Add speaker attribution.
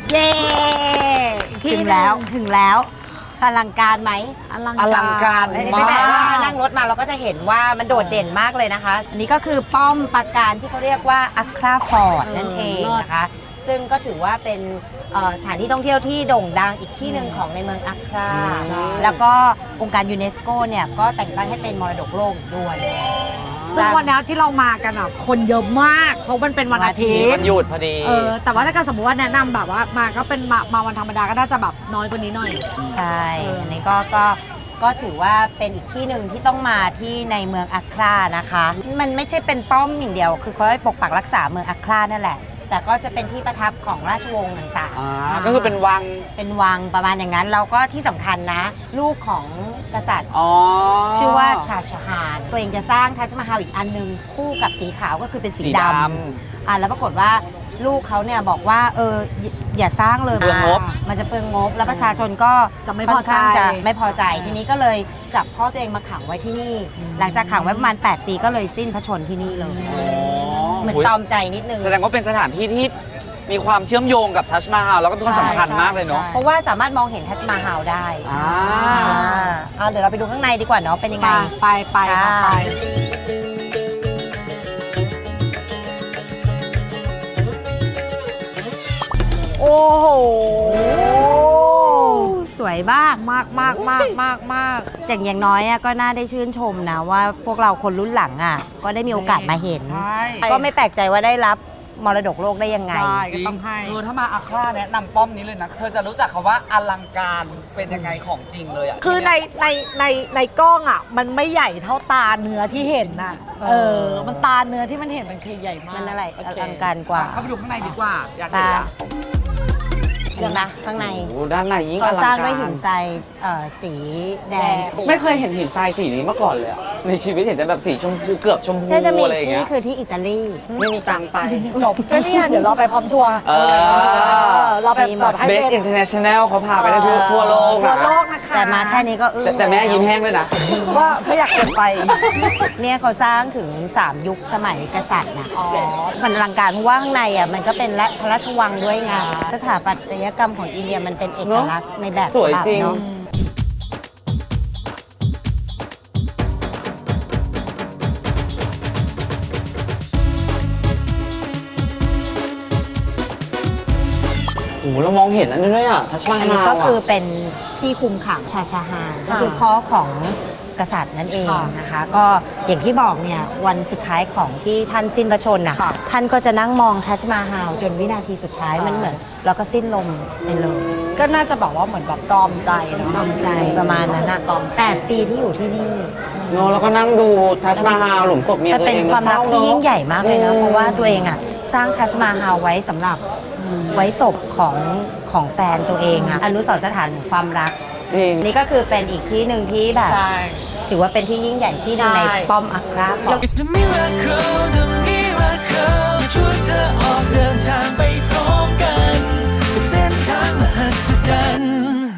Speaker 1: เย้ถึงแล้วอลังการไหม
Speaker 2: อลังการ
Speaker 1: ไม่แปลว่านั่งรถมาเราก็จะเห็นว่ามันโดดเด่นมากเลยนะคะ อันนี้ก็คือป้อมปราการที่เขาเรียกว่าอัคราฟอร์ดนั่นเองนะคะซึ่งก็ถือว่าเป็นสถานที่ท่องเที่ยวที่โด่งดังอีกที่หนึ่งของในเมืองอัคราแล้วก็องค์การยูเนสโกเนี่ยก็แต่งตั้งให้เป็นมรดกโลกด้วย
Speaker 2: ซึ่งวันนี้ที่เรามากันอ่ะคนเยอะมากเพราะมันเป็นวันอาทิตย์
Speaker 3: มันหยุดพอดี
Speaker 2: แต่ว่าถ้าเกิดสมมติว่าแนะนำแบบว่ามาก็เป็นมาวันธรรมดาก็น่าจะแบบน้อยกว่านี้หน่อย
Speaker 1: ใช่อันนี้ก็ถือว่าเป็นอีกที่หนึ่งที่ต้องมาที่ในเมืองอัครานะคะมันไม่ใช่เป็นป้อมอย่างเดียวคือเขาให้ปกปักรักษาเมืองอัครานั่นแหละแต่ก็จะเป็นที่ประทับของราชวงศ์ต่างๆ
Speaker 3: ก็คือเป็นวัง
Speaker 1: ประมาณอย่างนั้นแล้วก็ที่สำคัญนะลูกของกษัตริย์ชื่อว่าชาชฮานตัวเองจะสร้างทัชมาฮาลอีกอันนึงคู่กับสีขาวก็คือเป็นสีดำแล้วปรากฏว่าลูกเขาเนี่ยบอกว่าอย่าสร้างเลยมันจะเปลืองงบแล้วประชาชนก็
Speaker 2: จะไม่พอใจ
Speaker 1: ทีนี้ก็เลยจับพ่อตัวเองมาขังไว้ที่นี่หลังจากขังไว้ประมาณ8 ปีก็เลยสิ้นพระชนที่นี่เลยเหมือนตอมใจนิดนึง
Speaker 3: แสดงว่าเป็นสถานที่ที่มีความเชื่อมโยงกับทัชมาฮาลแล้วก็เป็นคนสำคัญมากเลยเนาะ
Speaker 1: เพราะว่าสามารถมองเห็นทัชมาฮาลได้เดี๋ยวเราไปดูข้างในดีกว่าเนาะเป็นยังไง
Speaker 2: ไปโอ้โห
Speaker 1: สวยมากอย่างน้อยก็น่าได้ชื่นชมนะว่าพวกเราคนรุ่นหลังก็ได้มีโอกาสมาเห็นก็ไม่แปลกใจว่าได้รับมรดกโลกได้ยังไง
Speaker 2: ก็ต้องให้
Speaker 3: ถ้ามาอัคราแนะนำป้อมนี้เลยนะเธอจะรู้จักคำว่าอลังการเป็นยังไงของจริงเลย
Speaker 2: คือในกล้องมันไม่ใหญ่เท่าตาเนื้อที่เห็นมันตาเนื้อที่มันเห็นมันคือใหญ่มาก
Speaker 1: มันอะไรอลังการกว่า
Speaker 3: เข้าไปดูข้างในดีกว่าอยากเห็น
Speaker 1: เห็นไหมข้างใน
Speaker 3: ด้านในยิ่งอลังการ
Speaker 1: สร้างด้วยหินทรายสีแดง
Speaker 3: ไม่เคยเห็นหินทรายสีนี้มาก่อนเลยในชีวิตเห็นแต่แบบสีชมพูเกือบชมพูอะไรอย่างเงี้ย
Speaker 1: นี่คือที่อิตาลี
Speaker 3: ไม่มีตังไป
Speaker 2: จบก็เนี่ยเดี๋ยวเราไปพร้อมทัวร์เราไปแบบให้
Speaker 3: Best International เขาพาไปได้ทั่วโลก
Speaker 2: นะคะ
Speaker 1: แต่มาแค่นี้ก็
Speaker 3: แต่แม่ยิ้มแห้งเลยนะ
Speaker 2: ว่าไม่อยากเกินไป
Speaker 1: เนี่ยเขาสร้างถึง3 ยุคสมัยกษัตริย์นะมันอลังการเพราะว่าข้างในมันก็เป็นพระราชวังด้วยไงสถาปัตยกรรมของอินเดียมันเป็นเอกลักษณ์ในแบบ
Speaker 3: สวยจริงเรามองเห็นอันนี้ด้วยทัชมาฮาล
Speaker 1: อันนี้ก็คือเป็นที่คุมขังชาชาฮานก็คือพ่อของกษัตริย์นั่นเองนะคะก็อย่างที่บอกเนี่ยวันสุดท้ายของที่ท่านสิ้นพระชนม์ท่านก็จะนั่งมองทัชมาฮาลจนวินาทีสุดท้ายมันเหมือนเราก็สิ้นลมไปเลย
Speaker 2: ก็น่าจะบอกว่าเหมือนแบบตรอมใจ
Speaker 1: ตรอมใจประมาณนั้น8 ปีที่อยู่ที่นี่
Speaker 3: แล้วก็นั่งดูทัชมาฮาลหลุมศพเมียตัวเอง
Speaker 1: เป็นความรักที่ยิ่งใหญ่มากเลยนะเพราะว่าตัวเองสร้างทัชมาฮาลไว้สำหรับไว้ศพของแฟนตัวเองอนุสรณ์สถานความรักนี่ก็คือเป็นอีกที่หนึ่งที่แบบถือว่าเป็นที่ยิ่งใหญ่ที่หนึ่งในป้อมอัครา